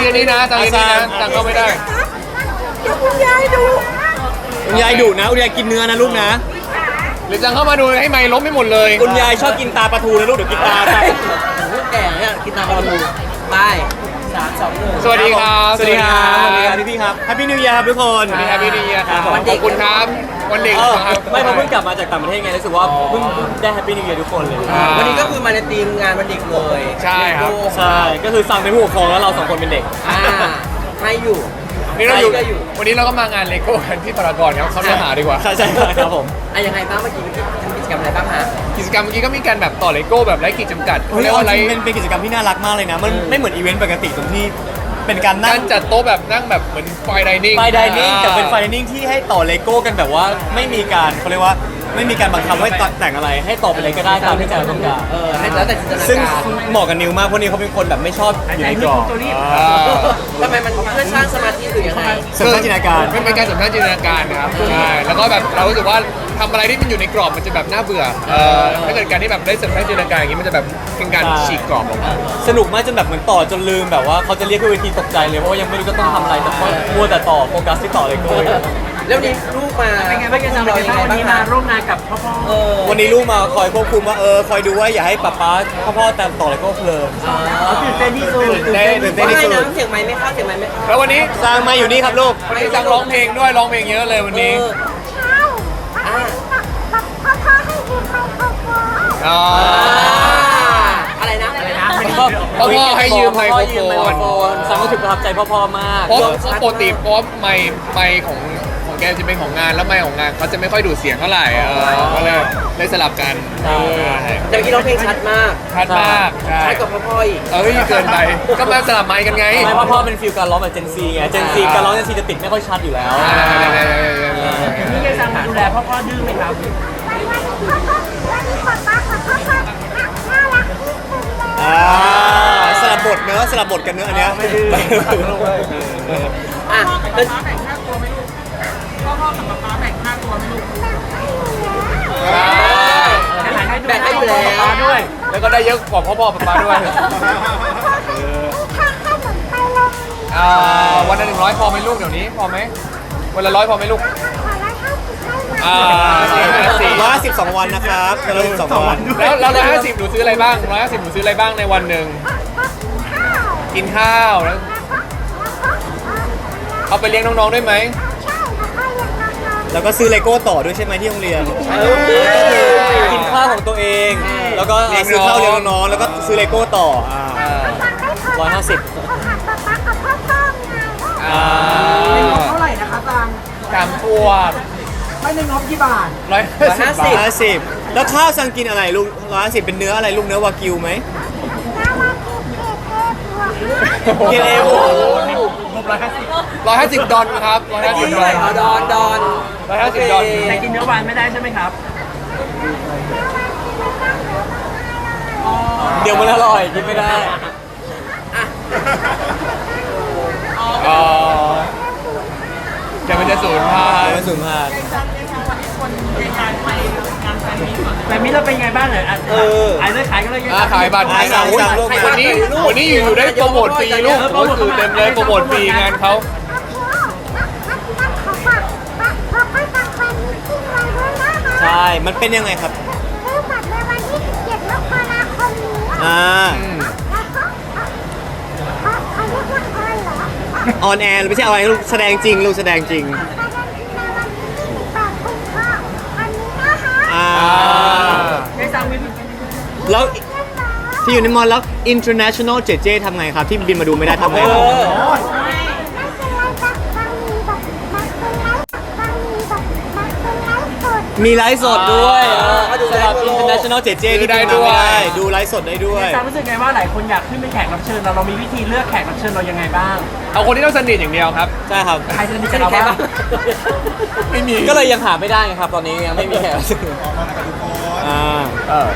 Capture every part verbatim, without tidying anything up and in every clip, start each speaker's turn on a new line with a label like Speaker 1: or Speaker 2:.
Speaker 1: ยืนนี่นะตังยืนนี่นะตังเข้าไม่ได้
Speaker 2: เดี๋ยวคุณยายดู
Speaker 3: คุณยายดุนะคุณยายกินเนื้อนะลูกนะ
Speaker 1: หรือตังเข้ามาดูให้ไม้ล้มไม่หมดเลย
Speaker 3: คุณยายชอบกินตาปลาทูนะลูกเดี๋ยวกินตาไป
Speaker 2: ลูกแก่เนี่ยกินตามปลาทูไปสามสองหนึ่ง
Speaker 1: สวัสดีครับ
Speaker 3: สวัสดีครับสวัสดีครับพี่พี่ครับแฮปปี้นิว e ย r ครับทุกคน
Speaker 1: สวัสดีครับพี่ดีครับ
Speaker 3: ครับ
Speaker 1: ขอบคุณครับวันเด็ก
Speaker 3: เออ
Speaker 1: ครับ
Speaker 3: ไม่เพราะเพิ่งกลับมาจากต่างประเทศไงรู้สึกว่าเพิ่งเพิ่งได้แฮปปี้นิว e ย r ทุกคนเลย
Speaker 1: อ่า
Speaker 2: วันนี้ก็คือมาในทีมงานวันเด็กเลย
Speaker 1: ใช่ครับ
Speaker 3: ใช่ก็คือสั่งเป็นผู้ปกครองแล้วเราสองคนเป็นเด็ก
Speaker 2: อ่าให้อยู่
Speaker 1: นี่เราอยู่
Speaker 2: ใครก็อยู่
Speaker 1: วันนี้เราก็มางานเลโก้กันที่พารากอนครับเขาเนื้อหาดีกว่า
Speaker 3: ใช่ใช่ครับผม
Speaker 2: อ่ะยังไงบ้างเมื่อกี้เมื่อกี้ทำกิจกรรมอะไรบ้างฮะ
Speaker 1: กิจกรรมเมื่อกี้ก็มีการแบบต่อเลโก้แบบไร้ขีดจำกัด
Speaker 3: เฮ้ย
Speaker 1: เรียก
Speaker 3: เอา
Speaker 1: ว่า
Speaker 3: จ
Speaker 1: ไร
Speaker 3: ริงเป็นเป็นกิจกรรมที่น่ารักมากเลยนะมันไม่เหมือนอีเวนต์ปกติตรงที่เป็นการนั่
Speaker 1: กาง รจัดโต๊ะแบบนั่งแบบเหมือนไฟไดนิ่ง
Speaker 3: ไฟไดนิ่งแต่เป็นไฟไดนิ่งที่ให้ต่อเลโก้กันแบบว่าไม่มีการเขาเรียกว่าไม่มีการบังคับให้แต่งอะไร ให้ต่อไปเลยก็ได้ตามที่ใจเราต้องการ
Speaker 2: เออให้แล้วแต่จินตนา
Speaker 3: ซึ่ง
Speaker 2: การ
Speaker 3: เหมาะกับนิวมากเพราะนิวเขาเป็นคนแบบไม่ชอบอยู่ในกรอบ
Speaker 1: อ่า
Speaker 2: ทำไมมันเพื่อสร้างสมาธิหรือยังไง
Speaker 3: เสริมสร้างจินตนาการ
Speaker 1: เป็นเป็นการเสริมสร้างจินตนาการนะครับใช่แล้วก็แบบเรารู้สึกว่าทำอะไรที่มันอยู่ในกรอบมันจะแบบน่าเบื่อเออถ้าเกิดการที่แบบได้เสริมสร้างจินตนาการอย่างนี้มันจะแบบเป็นการ
Speaker 3: ใช่
Speaker 1: ฉีกกรอบออกมา
Speaker 3: สนุกมากจนแบบเหมือนต่อจนลืมแบบว่าเขาจะเรียกขึ้นเวทีตกใจเลยเพราะว่ายังไม่รู้จะต้องทำอะไรแต่ก็มัวแต่ต่อโฟกัสที่ต่อเลโก้อยู่
Speaker 2: แล้ววันนี้ลูกมา
Speaker 4: เป็นไงบ้างจะ
Speaker 2: เรา
Speaker 4: เรา
Speaker 2: ยังไง
Speaker 4: วัน
Speaker 2: บ้าง
Speaker 4: นี้
Speaker 2: คะ
Speaker 4: มาร่วมงานกับพ่อพ่อ
Speaker 2: เออ
Speaker 3: วันนี้ลูกมาคอยควบคุมว่าเออคอยดูว่าอย่าให้ป๊าป๊าพ่อพ่อแต่ต่อเลโก้เพลิน
Speaker 4: เขาตื่นเต้นที่สุด
Speaker 1: เต้น
Speaker 3: ตื่นเต้น
Speaker 2: ว่า
Speaker 3: ที่
Speaker 2: ไง
Speaker 3: สุด
Speaker 2: นะเสียงไม้ไม่เข้าเสียงไม้ไม่เข้า
Speaker 1: แล้ววันนี้
Speaker 3: สร้างมาอยู่นี่ครับลูก
Speaker 1: วันนี้จังร้องเพลงด้วยร้องเพลงเยอะเลยวันนี้
Speaker 2: เอออ่า
Speaker 1: อ๋อ
Speaker 2: อะไรนะอะไรนะ
Speaker 1: พ่อพ่อให้ยืมไมโคร
Speaker 3: พ่อยืมไมโคร
Speaker 1: โฟ
Speaker 3: โฟ
Speaker 1: น
Speaker 3: นสังก็ถึงประทับใจพ่อพ่อมาก
Speaker 1: เพราะเพราะปกติเพราะไมค์ไมค์ของของแกจะเป็นของงานแล้วไมค์ของงานเขาจะไม่ค่อยดูดเสียงเท่าไหร่เออก็เลยเลยสลับกัน
Speaker 3: ใช่
Speaker 2: แต่เมื่อกี้ร้องเพลงชัดมาก
Speaker 1: ชัดมากใช่
Speaker 2: ชัดกว่าพ่อพ่ออีก
Speaker 1: เอ้ยเกินไปก็มาสลับไมค์กันไง
Speaker 3: ไม่พ่อพ่อเป็นฟิลการร้องแบบเจนซีไงเจนซีการร้องเจนซีจะติดไม่ค่อยชัดอยู่แล้ว
Speaker 1: อ่า
Speaker 4: พี่เกซังดูแลพ่อพ่อดื้อไหมครับ
Speaker 3: อ่าสลับบทเนอะสลับบทกันเนอะอันเนี้ย
Speaker 2: อ่ะแล้ว แบ่งให้อยู่แล้ว
Speaker 4: ด้วย
Speaker 1: แล้วก็ได้เยอะกว่าพ่อพ่อป๊าด้วยอ่าวันละหนึ่งร้อยพอไหมลูกเดี๋ยวนี้พอไหมวันละร้อยพอไหมลูกอ่าสี่ห้าสี่
Speaker 3: ร้อยห้าสิบสองวันนะครับร้อยห้าสิบสองวัน
Speaker 1: แล้วแล้วร้อยห้าสิบหนูซื้ออะไรบ้างร้อยห้าสิบหนูซื้ออะไรบ้างในวันหนึ่งกินข้าวแล้วเอาไปเลี้ยงน้องๆด้วยไหม
Speaker 3: แล้วก็ซื้อเลโก้ต่อด้วยใช่ไหมที่โรงเรียน
Speaker 2: เออ
Speaker 3: ก็คือกินข้าวของตัวเอง แล้วก็ซื้อข้าวเลี้ยงน้องๆแล้วก็ซื้อเลโก้ต่ออ่าร้อยห้าสิบ
Speaker 1: อ่า
Speaker 4: เท่าไหร่นะคะตัง
Speaker 1: สามขวบ
Speaker 4: ไม่ในงบกี่บาท
Speaker 1: ร้อยห้าสิบ
Speaker 3: ร้อยห้าสิบแล้วข้าวสั่งกินอะไรลูกร้อยห้าสิบเป็นเนื้ออะไรลูกเนื้อวากิวไหมเกรดเอโอ
Speaker 1: ร้อยห้าสิบดอลครับร้อยห้าสิบ
Speaker 2: ที่
Speaker 1: ดอล
Speaker 2: เอาดอนดอน
Speaker 1: ร้อยห้าสิบดอล
Speaker 4: แต่กินเนื้อวานไม่ได้ใช่ไหมครับ
Speaker 3: เดี๋ยวมันอร่อยกินไม่ได้
Speaker 1: อ๋อเดี๋ยวมันจะสูญพัน
Speaker 3: เดี๋ยว
Speaker 1: ธุ์
Speaker 3: มันสูญพันธุ์
Speaker 4: แต่มิเราเป็นไงบ้างเนี่ยอ่ะ
Speaker 3: เออ
Speaker 4: ขายเลยขายกันเลย
Speaker 1: อ่าขายบัตร
Speaker 3: ขายสั่ง
Speaker 1: อุ๊ย
Speaker 3: สั่งลูก
Speaker 1: วันนี้วันนี้อยู่ๆได้โปรโมทฟรีลูกโอ้ยคือเต็มเลยโปรโมทฟรีงานเขา
Speaker 3: ใช่ มันเป็นยังไงครับ อ่า
Speaker 1: อืม
Speaker 3: ออนแอร์ไม่ใช่อะไรลูกแสดงจริงลูกแสดงจริง อ่า
Speaker 4: เกซังมี
Speaker 3: แล้วที่อยู่ในมอลแล้ว international เจเจทำไงครับ ที่บินมาดูไม่ได้ทำไงครับ
Speaker 2: เออ
Speaker 3: มีไลฟ์สดด้วย
Speaker 2: อ่าก็ดู
Speaker 3: สำหรับ
Speaker 2: ได้ทั่วโลก
Speaker 3: international เจเจที่
Speaker 1: ได้
Speaker 3: บิน
Speaker 1: ด้
Speaker 3: มา
Speaker 1: วย
Speaker 3: ไม่ได้ดูไลฟ์สดได้ด้วย
Speaker 4: เกซังรู้สึกไงว่าหลายคนอยากขึ้นเป็นแขกรับเชิญเราเรามีวิธีเลือกแขกรับเชิญเรายังไงบ้าง
Speaker 1: เอาคนที่ต้องสนิทอย่างเดียวครับ
Speaker 3: ใช่ครับ
Speaker 4: ใครจะมีกับเราบ้าง
Speaker 1: ไม่มี
Speaker 3: ก็เลยยังหาไม่ได้ไงครับ ตอนนี้ยังไม่มีแขกรับเชิญอ่า
Speaker 1: เออ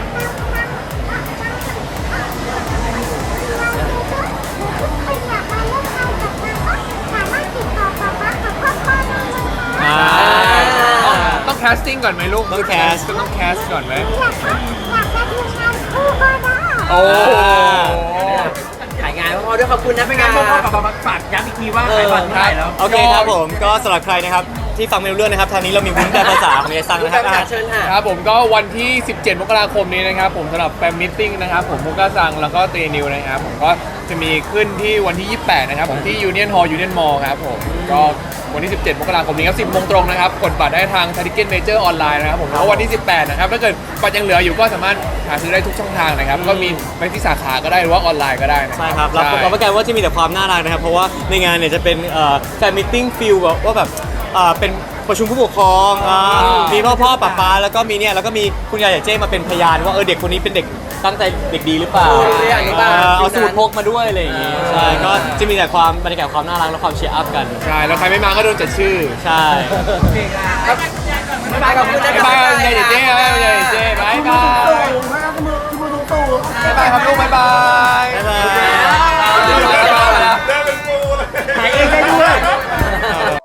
Speaker 3: อ่า
Speaker 1: ต้องแคสติ้งก่อนไหมลูก
Speaker 3: ต้องแคส
Speaker 1: ต้องแคสก่อนไหมโอ้
Speaker 2: ขายงานว่าอด้วยขอบคุณนะ
Speaker 4: ไม่
Speaker 2: ค
Speaker 4: งั้
Speaker 2: รั
Speaker 4: นพ่อกับบาฝากย้ำอีกทีว่าขายบัตรเมื่อไหร่แล้ว
Speaker 3: โอเคครับผมก็สำหรับใครนะครับที่ฟังไม่รู้เรื่องนะครับทางนี้เรามีวุ้นแปลภาษาของเอซัง
Speaker 2: คุณ
Speaker 3: นะค
Speaker 2: แฟ
Speaker 3: รับ
Speaker 2: นเชิญค่ะ
Speaker 1: ครับผมก็วันที่ สิบเจ็ด มกราคมนี้นะครับผมสำหรับแฟนมิทติ้งนะครับผมมุกกาซังแล้วก็เตนิวนะครับผมก็จะมีขึ้นที่วันที่ ยี่สิบแปด นะครับผมที่ยูเนียนฮอลล์ยูเนียนมอลล์ครับผมก็วันที่ สิบเจ็ด มกราคมนี้ครับ สิบโมงตรงนะครับกดบัตรได้ทางทิเก็ตเมเจอร์ออนไลน์นะครับผมแล้ววันที่ สิบแปด นะครับถ้าเกิดบัตรยังเหลืออยู่ก็สามารถหาซื้อได้ทุกช่องทางนะครับก็มีไปที่สาขาก็ได้หรือว่าออนไลน์ก็ได้นะ
Speaker 3: ใช่ครับรับรับประกันว่าจะมีแต่ความน่ารักนะครับเพราะว่าในงานเนี่ยจะเป็นแฟนมิทติ้งฟิลแบบว่าแบบเอ่อเป็นประชุมผู้ปกครองอ่ามีพ่อพ่อป้าป้าแล้วก็มีเนี่ยแล้วก็มีคุณยายใหญ่เจ้มาเป็นพยานว่าเออเด็กคนนี้เป็นเด็กตั้งใจเด็กดีหรือเปล่า
Speaker 2: เอออย่างนี้บ้าง
Speaker 3: เออเอาสมุดพกมาด้วยอะไรอย่างงี้ใช่ก็จะมีแต่ความบรรยากาศความน่ารักและความเชียร์อัพกัน
Speaker 1: ใช่แล้วใครไม่มาก็โดนจัดชื่อ
Speaker 3: ใช่
Speaker 2: บ๊ายบายขอบคุณนะ
Speaker 1: บ๊ายบายยายเจ